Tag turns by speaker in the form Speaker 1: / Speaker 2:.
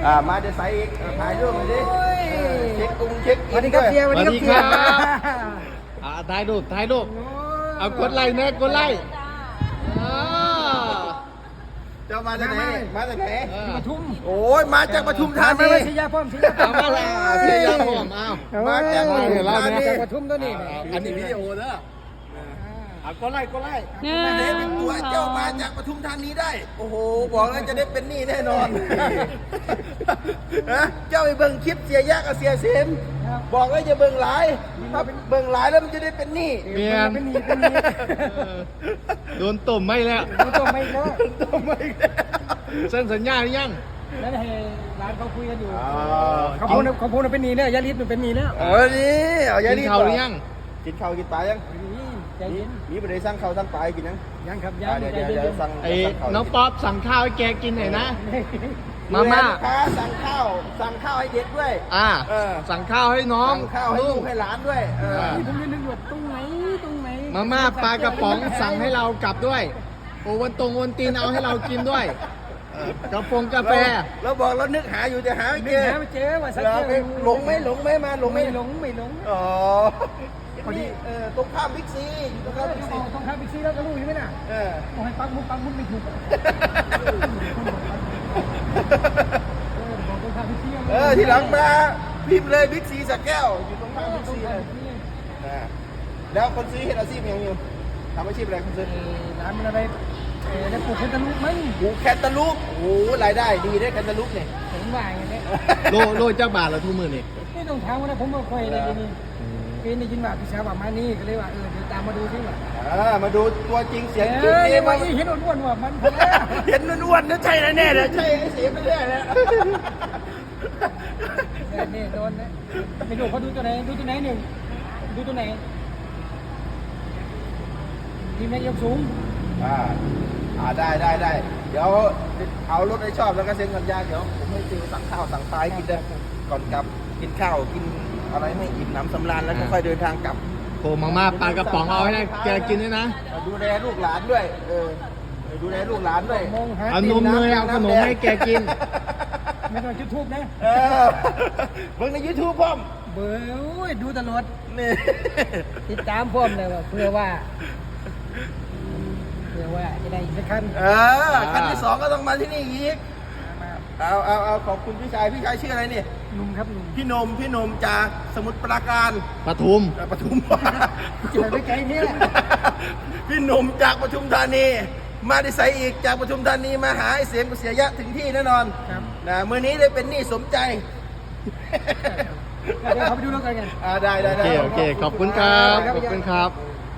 Speaker 1: มาจะใส่อีกถ่ายรูปหน่อยดิเช็คกุ้งเช็ค
Speaker 2: สวัสดีครับเสียสวัสดีครับเสีย
Speaker 3: ถ่ายรูปเอากดไลค์นะกดไลค์
Speaker 1: เจ้ามาจากไหนมาจากไหน
Speaker 2: ปทุม
Speaker 1: โอ้ยมาจากปทุมธา
Speaker 2: ไม่
Speaker 1: นี
Speaker 2: ไม่ใช่ยาป้อมใช่ยาป้อ
Speaker 3: เอา
Speaker 2: ม
Speaker 3: มาแล้วเสียยาผมเอา
Speaker 1: มาจากปทุมธานี
Speaker 2: จากปทุมตัวนี้
Speaker 3: อันนี้วิดีโอเด้อเอากดไลค์
Speaker 1: เด็กเป็นตัวเจ้ามาจากปทุมธานีได้ โอ้โหบอกแล้วจะได้เป็นหนี้แน่นอนฮะเจ้าไปเบิ่งคลิปเสียยะกับเสียเสมบอกแล้วจะเบิ่งหลายถ้าเบิ่งหลายแล้วมันจะได้เป็นหนี้
Speaker 3: เมียน
Speaker 2: เป็นนี่เป็นนี่
Speaker 3: โดนตุ่มไม่แล้ว
Speaker 2: ตัวไม่แล้ว
Speaker 1: ต้องไม่ได้
Speaker 3: เส้นสัญญาหรือยัง
Speaker 2: นั่นให้ร้านเขาคุยกันอยู่เขาพูดเป็นนี่เนี่ยยาลิสมันเป็นนี่แล้ว
Speaker 1: เออนี่เอาอย่า
Speaker 3: กิน
Speaker 1: รีบ
Speaker 3: ข้าวหรือยัง
Speaker 1: กินข้าวกินปลายัง
Speaker 2: ใจเย็น
Speaker 1: นี่ไปได้สั่งข้าวสั่งปลากินยัง
Speaker 2: ยังครับยั
Speaker 1: เดี๋
Speaker 2: ง
Speaker 1: ยว
Speaker 2: ใจ
Speaker 1: เดี๋ยว
Speaker 2: เย็
Speaker 1: เดี๋ยวน สั่ง
Speaker 3: ไอ้
Speaker 1: สั่งข้าว
Speaker 3: น้องป๊อปสั่งข้าวให้แกกินหน่อยนะ มาม่า
Speaker 1: ลูกค้าสั่งข้าวให้เด็กด้วย
Speaker 3: สั่งข้าวให้น้อง
Speaker 1: สั่งข้าวให้ลูกให้หลานด้วยเออ
Speaker 2: นี่ผมยังนึกอยู่ตรงไหนตรงไหน
Speaker 3: มาม่าปลากระป๋องสั่งให้เรากลับด้วยโอวันตีนเอาให้เรากินด้วยกาแฟ
Speaker 1: เราบอกเรานึกหาอยู่แต่หาไม่
Speaker 2: ไม่
Speaker 1: เจอ
Speaker 2: หาไม่เจอว่าสัก
Speaker 1: หลงไหมมาหลงไหม
Speaker 2: ไม่หลงไม่หลง
Speaker 1: อ๋อพอดีตรงข้ามบิ๊กซีตรงข้ามบิ๊กซี
Speaker 2: ต้องข้ามบิ๊กซีแล้วก็รู้ใช่ไหมน่ะ
Speaker 1: เออ
Speaker 2: ต้องให้ปักมุกไม่ถูกต้องข้ามบิ๊กซี
Speaker 1: ทีหลังมาพิมพ์เลยบิ๊กซีสักแก้วอยู่ตรงข้ามบิ๊กซีเลยแล้วคนซื้อเห็นอาชีพยังอยู่ทำอาชีพอะไรคนซื้อ
Speaker 2: ร้านมันอะไรได้ปลูกแคนตาลูปไหม
Speaker 1: โอ้แคตตาลูปโอ้รายได้ดีได้แคตตาลูปเนี่ย
Speaker 2: ผมว่าอย่างนี้
Speaker 3: โลเจ้าบาทละทุกมือนี่
Speaker 2: ไม่ต้องถามว่านะผมมาคุยอะไรนี่เป็นได้ยินว่าพี่สาวบอกมานี่ก็เลยว่าเดี๋ยวตามมาดูซิว่า
Speaker 1: มาดูตัวจริงเสียงจริง
Speaker 2: เฮ้ย
Speaker 1: นี่
Speaker 2: ว่า
Speaker 1: มา
Speaker 2: เห็นอ้วนๆว่ามัน
Speaker 1: เห็นอ้วนๆนะใช่แน่ๆเลยใช่ไอ้เสียไปเรื่อยเลย
Speaker 2: นี่โดนนะไม่รู้เขาดูตัวไหนหนึ่งดูตัวไหนทีมแม็กยกสูง
Speaker 1: ได้เดี๋ยวเอารถให้ชอบแล้วก็เซ็นสัญญาเดี๋ยวผมให้ติวสั่งข้าวสั่งปลาให้กินได้ก่อนกลับกินข้าวกินอะไรให้อิ่มน้ำสำราญแล้วก็ค่อยเดินทางกลับ
Speaker 3: โอ้มาม่าปลากระป๋องเอาให้แกกินด้วยนะ
Speaker 1: ดูแลลูกหลานด้วยดูแลลูกหลานด้วย
Speaker 2: มองหา
Speaker 3: เอานมเนยเอาขนมให้แกกิน
Speaker 2: ไม่ต้องจุดทูบนะ
Speaker 1: เบิ่งใน YouTube พ่อม
Speaker 2: เบื่อดูตลอด
Speaker 1: นี่
Speaker 2: ติดตามพ่อมเลยว่าเพื่อว่าจะได้อีกสักขั้น
Speaker 1: ขั้นที่สองก็ต้องมาที่นี่อีกเอาขอบคุณพี่ชายชื่ออะไรนี่
Speaker 2: หนุ่มครับหนุ่ม
Speaker 1: พี่นมจากสมุทรปราการ
Speaker 3: ปทุม
Speaker 1: ปทุม
Speaker 2: เจอไม่ไกลเนี่ย
Speaker 1: พี่หนุ่มจากปทุมธานีมาได้ใส่อีกจากปทุมธานีมาหาไอ้เสียงกุเสียยะถึงที่แน่นอนนะมื้อนี้ได้เป็นหนี้สมใจ
Speaker 2: เดี๋ยวเขาไปดูแล้วกัน
Speaker 1: ได้
Speaker 3: โอเค ขอบคุณครับ